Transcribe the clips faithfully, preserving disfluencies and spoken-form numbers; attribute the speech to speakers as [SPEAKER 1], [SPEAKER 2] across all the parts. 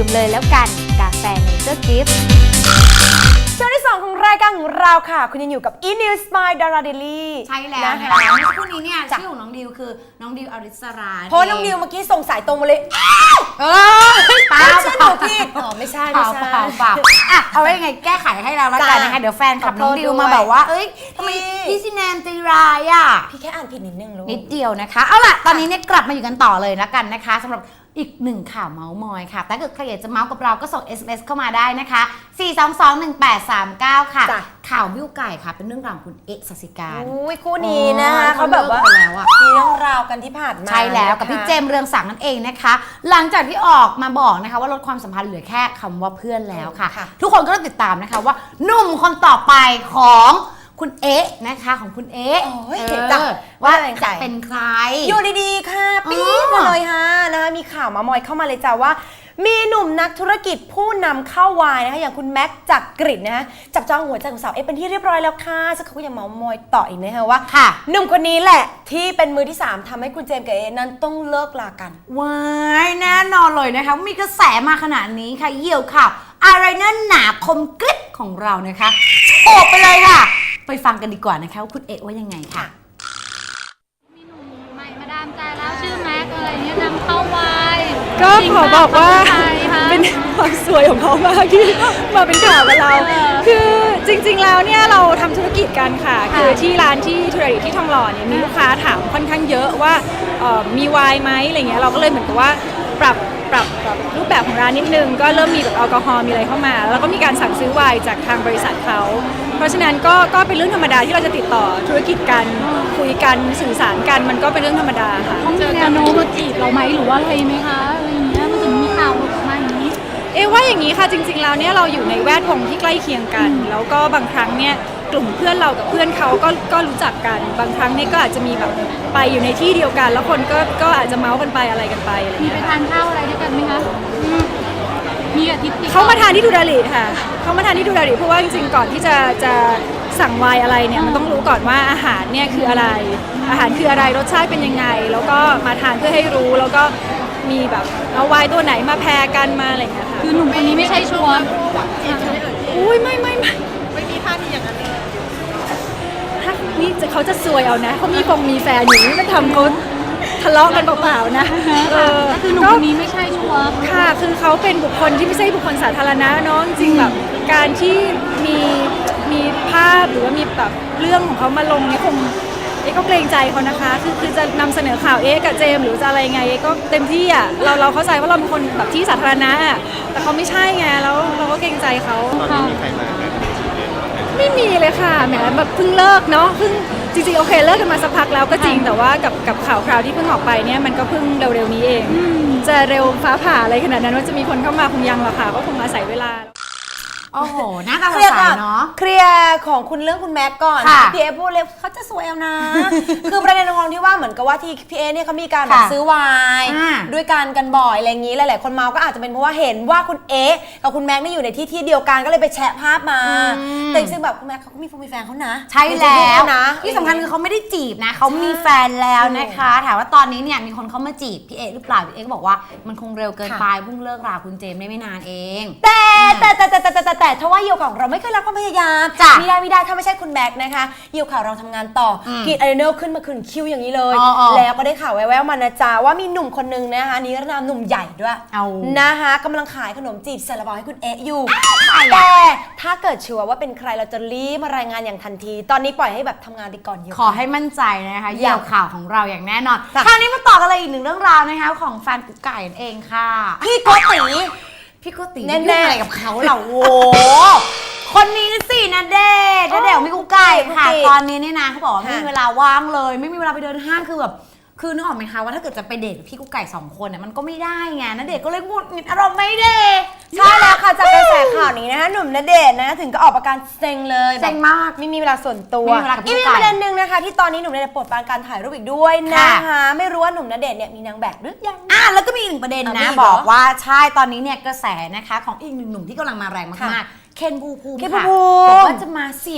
[SPEAKER 1] มเลยแล้วกันกาแฟเนเจอร์กิฟต์
[SPEAKER 2] ช่วงที่สองของรายการของเราค่ะคุณยังอยู่กับ e-news by Dara Daily
[SPEAKER 3] ใช่แล้วนะคะเมื่อสักครู่นี้เนี่ยชื่อของน้องดิวคือน้องดิวอริสรา
[SPEAKER 2] เพราะน้องดิวเมื่อกี้ส่งสายตรงมาเลยเออป้าชื่อหนูพี่อ๋อไม่ใช่ไม่ใช่
[SPEAKER 3] เปล่าเปล่าอ่ะเอาไว้ยังไงแก้ไขให้เราแล้วกันนะคะเดี๋ยวแฟนคลับน้องดิวมาแบบว่าเอ้ยทำไมพี่ซิแนนใจร้ายอ่ะ
[SPEAKER 2] พี่แค่อ่านผิดนิดนึงลูก
[SPEAKER 3] นิดเดียวนะคะเอาล่ะตอนนี้เนี่ยกลับมาอยู่กันต่อเลยแล้วกันนะคะสำหรับอีกหนึ่งข่าวเมาส์มอยค่ะแต่ถ้าเกิดใครอยากจะเมาส์กับเราก็ส่ง เอส เอ็ม เอส เข้ามาได้นะคะสี่ สอง สอง หนึ่ง แปด สาม เก้าค่ะข่าวบิ้วไก่ค่ะเป็นเรื่องราวของคุณเอ๊ะสัสิการ
[SPEAKER 2] อุ้ยคู่นี้นะคะเขาแบบว่ามีเรื่องราวกันที่ผ่านมา
[SPEAKER 3] ใช่แล้วกับพี่เจมส์เรืองศักดิ์นั่นเองนะคะหลังจากที่ออกมาบอกนะคะว่าลดความสัมพันธ์เหลือแค่คำว่าเพื่อนแล้วค่ะทุกคนก็ต้องติดตามนะคะว่าหนุ่มคนต่อไปของคุณเอ๊ะนะคะของคุณเอ๊ะว่าจะเป็นใคร
[SPEAKER 2] อยู่ดีๆค่ะปี๊ดมาเลยฮะนะคะมีข่าวมามอยเข้ามาเลยจ้าว่ามีหนุ่มนักธุรกิจผู้นำเข้าวายนะคะอย่างคุณแม็กซ์จักริดนะฮะจับจองหัวใจของสาวเอ๊ะเป็นที่เรียบร้อยแล้วค่ะสักครู่ก็ยังเมามอยต่ออีกนะคะว่าหนุ่มคนนี้แหละที่เป็นมือที่สามทำให้คุณเจมส์กับเอ๊ะนั้นต้องเลิกลากัน
[SPEAKER 3] ว้ายแน่นอนเลยนะคะมีกระแสมาขนาดนี้ค่ะเยี่ยวข่าวอะไรนั่นหนาคมกริบของเรานะคะโอบไปเลยค่ะไปฟังกันดีกว่านะคะว่าคุณเอ๊ะว่ายังไงค่ะ
[SPEAKER 1] มีหนุ่มใหม่มาดามใจแล้วชื่อแม็กอะไรเงี้ยนำเข้าวาย
[SPEAKER 4] ก็ขอบอกว่าเป็นความสวยของเขามากที่มาเป็นข่าวกับเราคือจริงๆแล้วเนี่ยเราทำธุรกิจกันค่ะคือที่ร้านที่ธุรกิจที่ทองหล่อเนี่ยมีลูกค้าถามค่อนข้างเยอะว่ามีไวน์ไหมอะไรเงี้ยเราก็เลยเหมือนกับว่าปรับปรับปรับรูปแบบของร้านนิดนึงก็เริ่มมีแบบแอลกอฮอล์มีอะไรเข้ามาแล้วก็มีการสั่งซื้อไวน์จากทางบริษัทเขาเพราะฉะนั้นก็ก็เป็นเรื่องธรรมดาที่เราจะติดต่อธุรกิจกันคุยกันสื่อสารกันมันก็เป็นเรื่องธรรมดาค่ะ
[SPEAKER 1] ต้องมีแนวโน้มมาจีบเราไหมหรือว่าอะไรไหมคะอะไรอย่างเงี้ยมันถึงมีข่าวออกมาอย่างนี้
[SPEAKER 4] เอ๊ะว่าอย่างนี้ค่ะจริงๆแล้วเนี่ยเราอยู่ในแวดวงที่ใกล้เคียงกันแล้วก็บางครั้งเนี่ยกลุ่มเพื่อนเรากับเพื่อนเขาก็ก็รู้จักกันบางครั้งเนี่ยก็อาจจะมีแบบไปอยู่ในที่เดียวกันแล้วคนก็ก็อาจจะเมาส์กันไปอะไรกันไปอะไร
[SPEAKER 1] มีไปทานข้าวอะไรด้วยกันไหมคะมีอาทิตย์
[SPEAKER 4] เขามาทานที่ดูดาริค่ะเขามาทานที่ดูดาริเพราะว่าจริงๆก่อนที่จะจะสั่งไวน์อะไรเนี่ยมันต้องรู้ก่อนว่าอาหารเนี่ยคืออะไรอาหารคืออะไรรสชาติเป็นยังไงแล้วก็มาทานเพื่อให้รู้แล้วก็มีแบบเอาไวน์ตัวไหนมาแพรกันมาอะไรอย่างเงี้ยค่ะ
[SPEAKER 1] คือหนุ่มคนนี้ไม่ใช่ชัวร์
[SPEAKER 4] อุ้ยไม่ไม่ไม่
[SPEAKER 2] ไม่มีท่าทีอย่างนั้นเลย
[SPEAKER 4] ถ้านี่จะเขาจะซวยเอานะเขามีคงมีแฟนอยู่นี่จะทำเขาทะเลาะกันเปล่าๆนะ
[SPEAKER 1] เออคือหนุ่มคนนี้ไม่ใช่ชัวร์
[SPEAKER 4] ค่ะคือเขาเป็นบุคคลที่ไม่ใช่บุคคลสาธารณะเนาะจริงแบบการที่มีมีภาพหรือว่ามีแบบเรื่องของเขามาลงนี่คงเอ๊ะก็เกรงใจเขานะคะคือคือจะนำเสนอข่าวเอ๊ะกับเจมหรือจะอะไรไงเอ๊ะก็เต็มที่อ่ะเราเราเข้าใจว่าเราเป็นคนแบบที่สาธารณะแต่เขาไม่ใช่ไงแล้วเราก็เกรงใจเขา
[SPEAKER 5] ตอนนี้มีใครมา
[SPEAKER 4] ไม่มีเลยค่ะแหมแบบเพิ่งเลิกเนาะเพิ่งจริงๆโอเคเลิกกันมาสักพักแล้วก็จริงแต่ว่ากับกับข่าวคราวที่เพิ่งออกไปเนี่ยมันก็เพิ่งเร็วๆนี้เองจะเร็วฟ้าผ่าอะไรขนาดนั้นว่าจะมีคนเข้ามาคงยังหรอกค่ะก็คงอาศัยเวลา
[SPEAKER 3] โอ้โหน่าตาสดใสเนาะ
[SPEAKER 2] เคลียร์ของคุณเรื่องคุณแม็กก่อนพี่เอพูดเลยเขาจะสวยเอานะคือประเด็นของที่ว่าเหมือนกับว่าที่พี่เอเนี่ยเขามีการแบบซื้อไวน์ด้วยกันกันบ่อยอะไรอย่างนี้หลายๆคนเมาก็อาจจะเป็นเพราะว่าเห็นว่าคุณเอกับคุณแม็กนี่อยู่ในที่ที่เดียวกันก็เลยไปแชะภาพมาแต่จริงๆแบบคุณแม็กเขาก็มีแฟนเขานะ
[SPEAKER 3] ใช่แล้วนะที่สำคัญคือเขาไม่ได้จีบนะเขามีแฟนแล้วนะคะถามว่าตอนนี้เนี่ยมีคนเข้ามาจีบพี่เอหรือเปล่าพี่เอก็บอกว่ามันคงเร็วเกินไปเพิ่งเลิกราคุณเจมได้ไม่นานเอง
[SPEAKER 2] แต่แต่แต่แต่แต่แต่แต่ถ้าว่าเยี่ยวของเราไม่เคยรักความพยายามไม่ได้ไม่ได้ถ้าไม่ใช่คุณแม็กนะคะเยี่ยวข่าวเราทำงานต่อกรีดอะดรีนาลขึ้นมาขึ้นคิวอย่างนี้เลยแล้วก็ได้ข่าวแว่วๆมานะจ๊ะว่ามีหนุ่มคนนึงนะคะนิรนามหนุ่มใหญ่ด้วยนะคะกำลังขายขนมจีบซาลาเปาให้คุณเอ๊ะอยู่แต่ถ้าเกิดชัวร์ว่าเป็นใครเราจะรีบมารายงานอย่างทันทีตอนนี้ปล่อยให้แบบทำงานไปก่อนอยู่
[SPEAKER 3] ขอให้มั่นใจนะคะเยี่ยวข่าวของเราอย่างแน่นอนคราวนี้มาต่อกันเลยอีกหนึ่งเรื่องราวนะคะของแฟนกุ๊กไก่เองค่ะ
[SPEAKER 2] พี่โกติ
[SPEAKER 3] พี่โกติแน่ๆอะไรกับเขาเหรอโว้คนนี้สินะเดชนะเดชพี่กุ๊กไก่ค่ะตอนนี้เนี่ยนะเขาบอกว่าไม่มีเวลาว่างเลยไม่มีเวลาไปเดินห้างคือแบบคือนึกออกไหมคะว่าถ้าเกิดจะไปเดทกับพี่กุ๊กไก่สองคนเนี่ยมันก็ไม่ได้ไงนะเดชก็เลยหงุดหงิดอารมณ์ไม่เดท
[SPEAKER 2] ใช่แล้วค่ะจากกระแสข่าวนี้นะคะหนุ่มณเดชน์นะถึงก็ออกอาการเซ็งเลย
[SPEAKER 3] เซ็งมาก
[SPEAKER 2] ไม่มีเวลาส่วนตัวอีกมีประเด็นหนึ่งนะคะที่ตอนนี้หนุ่มณเดชน์ปลดปรานการถ่ายรูปอีกด้วยนะคะไม่รู้ว่าหนุ่มณเดชน์เนี่ยมีนางแบบหรือยัง
[SPEAKER 3] อ่ะแล้วก็มีอีกหนึ่งประเด็นนะบอกว่าใช่ตอนนี้เนี่ยกระแสนะคะของอีกหนึ่งหนุ่มที่กำลังมาแรงมากๆเคนภูมิค่ะบอกว่าจะมาเสียบ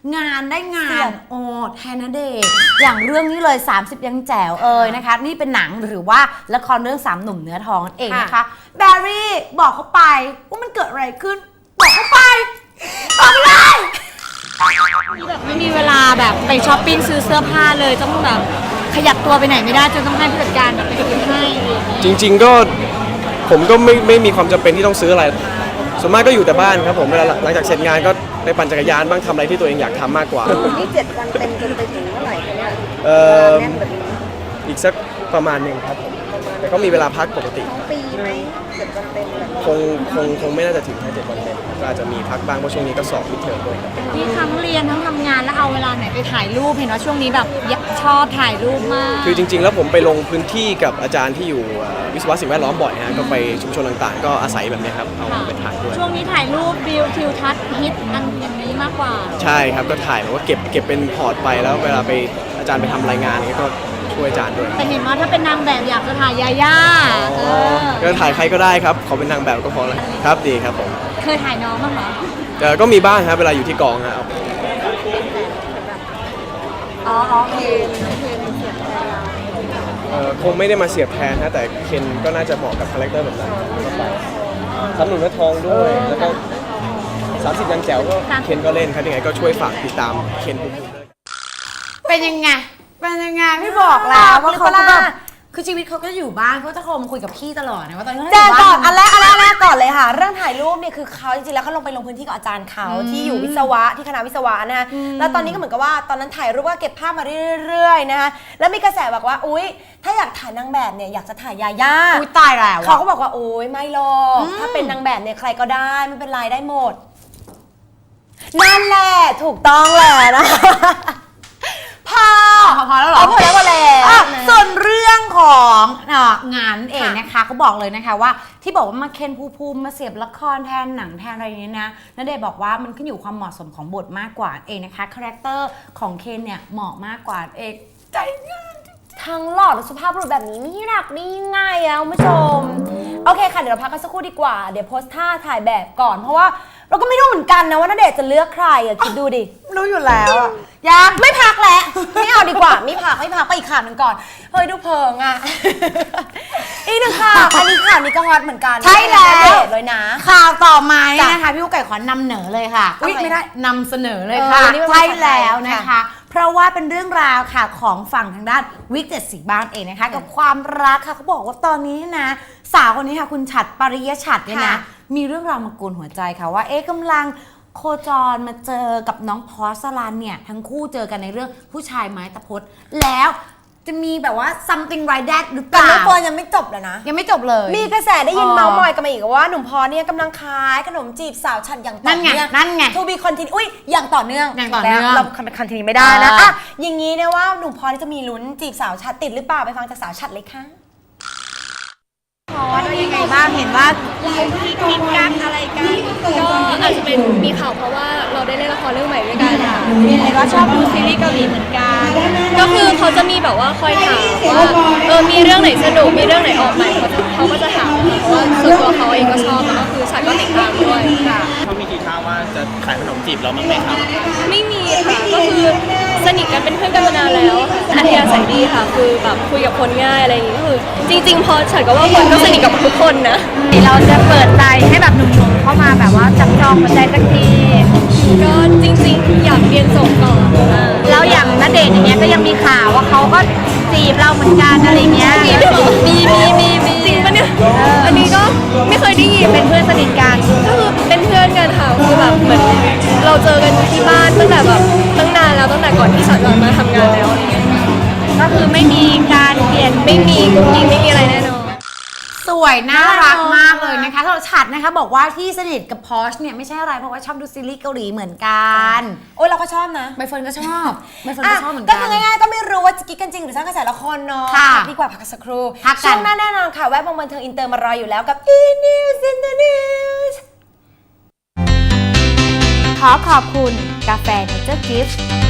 [SPEAKER 3] งานได้งา
[SPEAKER 2] เสี
[SPEAKER 3] น
[SPEAKER 2] ยบ
[SPEAKER 3] โอ้แทนณเดชน์อย่างเรื่องนี้เลย สามสิบ ยังแจ๋วเอ่ยนะคะนี่เป็นหนังหรือว่าละครเรื่องสามหนุ่มเนื้อทองนั่นเองนะคะแบร์รี่บอกเขาไปว่ามันเกิดอะไรขึ้นบอกเขาไปบอกไปเลย
[SPEAKER 1] แบบไม่มีเวลาแบบไปช้อปปิ้งซื้อเสื้อผ้าเลยต้องแบบขยับตัวไปไหนไม่ได้จนต้องให้ผู้จัดการแบบไปซื้อให้อะไรอย่างเงี้ย
[SPEAKER 5] จริงๆก็ผมก็ไม่ไม่มีความจำเป็นที่ต้องซื้ออะไรส่วนมากก็อยู่แต่บ้านครับผมเวลาหลังจากเสร็จงานก็ไปปั่นจักรยานบ้างทำอะไรที่ตัวเองอยากทำมากกว่า
[SPEAKER 6] นี่เจ็ดวันเต็มจนไปถึงเมื่อไหร่คะเนี่ย
[SPEAKER 5] เอ่อ
[SPEAKER 6] แน่นแบบนี้
[SPEAKER 5] อีกสักประมาณหนึ่งครับผมแต่ก็มีเวลาพักปกติ
[SPEAKER 6] ปีไหมเจ็ดวันเต็มแบบนี้
[SPEAKER 5] คงคงคงไม่น่าจะถึงแค่เจ็ดวันเต็มก็อาจจะมีพักบ้างเพราะช่วงนี้ก็สอบมิดเทอมด้วยครับ
[SPEAKER 1] มีทั้งเรียนทั้งทำงานแล้วเอาเวลาไหนไปถ่ายรูปเห็นว่าช่วงนี้แบบชอบถ่ายรูปมาก
[SPEAKER 5] คือจริง ๆ แล้วผมไปลงพื้นที่กับอาจารย์ที่อยู่เอ่อวิศวะสิ่งแวดล้อมบ่อยฮะก็ไปชุมชนต่างๆ ก็อาศัยแบบนี้ครับเอาไปถ่ายด้วย
[SPEAKER 1] ช่วงนี้ถ่ายรูปวิวทิวทัศน์ฮิตอันอย่างนี้มากกว่า
[SPEAKER 5] ใช่ครับก็ถ่ายแบบว่าเก็บเก็บเป็นพอร์ตไปแล้วเวลาไปอาจารย์ไปทำรายงานอย่างเงี้ยก็ช่วยอาจารย์ด้วย
[SPEAKER 1] แต่เห็นว่าถ้าเป็นนางแบบอยากจะถ่ายยาย่าเออ
[SPEAKER 5] ก็ถ่ายใครก็ได้ครับขอเป็นนางแบบก็พอแล้วครับดีครับผม
[SPEAKER 1] เคยถ่ายน้องบ้างเหรอ
[SPEAKER 5] แต่ก็มีบ้างครับเวลาอยู่ที่กองครับ
[SPEAKER 1] อ๋ออ๋อเออ
[SPEAKER 5] เอ่อคงไม่ได้มาเสียบแทนนะแต่เคนก็น่าจะเหมาะกับคาแรคเตอร์แบบนั้นก็ไปสามหนุ่มเนื้อทองด้วยแล้วก็สามสิบยังแจ๋วก็เคนก็เล่นครับยังไงก็ช่วยฝากติดตามเคนภูมิด้วย
[SPEAKER 3] เป็นยังไงเป็นยังไงพี่บอกแล้วว่าเขาก็แบบคือชีวิตเขาก็อยู่บ้านเขาจะโทรมาคุยกับพี่ตลอดนะว่าตอนนี้เขา
[SPEAKER 2] แจ้ง
[SPEAKER 3] ยู่
[SPEAKER 2] ก่อน
[SPEAKER 3] บ้า
[SPEAKER 2] อันแรกอันแรกอันแรกก่อนเลยค่ะ เรื่องถ่ายรูปเนี่ยคือเขาจริงๆแล้วเขาลงไปลงพื้นที่กับอาจารย์เขาที่อยู่วิศวะที่คณะวิศวะนะคะแล้วตอนนี้ก็เหมือนกับว่าตอนนั้นถ่ายรูปก็เก็บภาพมาเรื่อยๆนะคะแล้วมีกระแสบอกว่าอุ๊ยถ้าอยากถ่ายนางแบบเนี่ยอยากจะถ่ายยาย่า
[SPEAKER 3] อุ้ยตายแล้ว
[SPEAKER 2] เขา
[SPEAKER 3] อะ
[SPEAKER 2] ก็บอกว่าโอ๊ยไม่หรอกถ้าเป็นนางแบบเนี่ยใครก็ได้ไม่เป็นไรได้หมดนั่นแหละถูกต้องแหละนะพอ
[SPEAKER 3] พอพอแล้วเหรอ
[SPEAKER 2] พอแล้วพอแล้ว
[SPEAKER 3] อ่ะ
[SPEAKER 2] นะ
[SPEAKER 3] ส่วนเรื่องของเอ่องานเองนะคะเขาบอกเลยนะคะว่าที่บอกว่ามาเคนภูมิภูมิมาเสียบละครแทนหนังแทนอะไรอย่างนี้นะณเดชน์บอกว่ามันขึ้นอยู่ความเหมาะสมของบทมากกว่าเองนะคะคาแรคเตอร์ของเคนเนี่ยเหมาะมากกว่าเองใจง่าย
[SPEAKER 2] ทั้งหล่อและสุภาพบุรุษแบบนี้นี่รักนี่ง่ายอะคุณผู้ชม โอเคค่ะ เดี๋ยวเราพักกันสักครู่ดีกว่า เดี๋ยวโพสท่าถ่ายแบบก่อน เพราะว่าเราก็ไม่รู้เหมือนกันนะว่าณเดชน์จะเลือกใครอะคิดดูดิ
[SPEAKER 3] รู้อยู่แล้วอะ
[SPEAKER 2] ยังไม่พักแล้ว ไม่เอาดีกว่า ไม่พักไม่พักไปอีกข่าวหนึ่งก่อน เฮ้ย ดูเพิงอะ อีกหนึ่งข่าวอันนี้ข่าวนี้ก็ฮอตเหมือนกัน
[SPEAKER 3] ใช่แล้ว
[SPEAKER 2] ณเดชน์เลยนะ
[SPEAKER 3] ข่าวต่อมาเนี่ย
[SPEAKER 2] จ้ะ
[SPEAKER 3] นะคะพี่กุ๊กไก่ขอนำเหนอเลยค่ะอุ๊ย
[SPEAKER 2] เอาไง
[SPEAKER 3] ไม่ได้นำเสนอเลย
[SPEAKER 2] เออ
[SPEAKER 3] ค่ะ
[SPEAKER 2] นี่เป็น
[SPEAKER 3] ใช่
[SPEAKER 2] ภาษาไทย
[SPEAKER 3] แล้วนะคะ
[SPEAKER 2] ค่ะ
[SPEAKER 3] เพราะว่าเป็นเรื่องราวค่ะของฝั่งทางด้านวิกเจ็ดสีบ้านเองนะคะกับความรักค่ะเขาบอกว่าตอนนี้นะสาวคนนี้ค่ะคุณฉัตรปริยฉัตรเนี่ยนะมีเรื่องราวมากวนหัวใจค่ะว่าเอ๊ะกำลังโคจรมาเจอกับน้องพอสลันเนี่ยทั้งคู่เจอกันในเรื่องผู้ชายไม้ตะพดแล้วจะมีแบบว่า something like that หรือเป
[SPEAKER 2] แต่
[SPEAKER 3] ล่า
[SPEAKER 2] เรื่องเฟิร์นยังไม่จบเลยนะ
[SPEAKER 3] ยังไม่จบเลย
[SPEAKER 2] มีกระแสได้ยิน
[SPEAKER 3] อ๋อ
[SPEAKER 2] เมาส์มอยกันมาอีกว่าหนุ่มพอเนี่ยกำลังขายขนมจีบสาวฉันอย่างต่
[SPEAKER 3] นั่
[SPEAKER 2] อน
[SPEAKER 3] ไง
[SPEAKER 2] เนื่อง
[SPEAKER 3] นั่นไง
[SPEAKER 2] ทูบีคอนติเนียอุ้ยอย่างต่อเนื่อง
[SPEAKER 3] อย่างต่อเนื่อง
[SPEAKER 2] แล้วเราคอนติเนียไม่ได้นะ
[SPEAKER 3] เอออ่
[SPEAKER 2] อ่ะอย่างนี้เนี่ยว่าหนุ่มพอนี่จะมีลุ้นจีบสาวฉัดติดหรือเปล่าไปฟังจากสาวฉัดเลยค่ะ
[SPEAKER 3] ว่ายังไงบ้างเห็นว่า
[SPEAKER 1] คิดกันอะไรกันก็อาจจะเป็นมีข่าวเพราะว่าเราได้เล่นละครเรื่องใหม่ด้วยกันค่ะมีอะไรก็ชอบดูซีรีส์เกาหลีเหมือนกันก็คือเขาจะมีแบบว่าคอยถามว่าเออมีเรื่องไหนสนุกมีเรื่องไหนออกใหม่เขาจะเขาก็จะถามเพราะว่าส่วนตัวเขาเองก็ชอบแล้วก็คือฉันก็ติดตามด้วยค่ะ
[SPEAKER 7] เขามีกี่ข้าวว่าจะขายขนมจีบเราบ้างไหมครับ
[SPEAKER 1] ไม่มีค่ะก็คือสนิทกันเป็นเพื่อนกันมานานแล้วอัธยาศัยดีค่ะคือแบบคุยกับคนง่ายอะไรอย่างงี้ก็คือจริง ๆ พอฉันก็ว่าคนก็สนิทกับทุกคนนะเราจะเปิดใจให้แบบหนุ่มๆเข้ามาแบบว่าจับจองหัวใจสักทีก็จริงๆอยากเรียนจบก่อนแล้วอย่างณเดชน์อย่างเงี้ยก็ยังมีข่าวว่าเขาก็จีบเราเหมือนกันอะไรเงี้ยมีมีมีมีมีจริงปะเนี่ยอันนี้ก็ไม่เคยได้ยินเป็นเพื่อนสนิทกันก็คือเป็นเพื่อนกันค่ะคือแบบเหมือนเราเจอกันที่บ้านตั้งแต่แบบตั้งนานแล้วตั้งแต่ก่อนที่ฉันจะมาทำงานแล้วอะไรเงี้ยก็คือไม่มีการเปลี่ยนไม่มีกุ๊กกิ๊กไม่มีอะไรแน่นอน
[SPEAKER 3] สวยน่ารักมากเลยนะคะสำหรับฉัดนะคะบอกว่าที่สนิทกับพอชเนี่ยไม่ใช่อะไรเพราะว่าชอบดูซีรีส์เกาหลีเหมือนกัน
[SPEAKER 2] โอ้ยเราก็ชอบนะ
[SPEAKER 3] ใบเฟิร์นก็ชอบใบเฟิร์น
[SPEAKER 2] อ่ะ
[SPEAKER 3] ก็ชอบเหมือน
[SPEAKER 2] ก็
[SPEAKER 3] กัน
[SPEAKER 2] คือง่ายๆก็ไม่รู้ว่าจะกิ๊กกันจริงหรือสร้างกระแสละครเนาะ
[SPEAKER 3] ค่ะ
[SPEAKER 2] พักดีกว่าพักสักครู่
[SPEAKER 3] พักกัน
[SPEAKER 2] ช่วงหน้าแน่นอนค่ะแวะวงบันเทิงอินเตอร์มารออยู่แล้วกับ e news in the news
[SPEAKER 3] ขอขอบคุณกาแฟเนเจอร์กิฟต์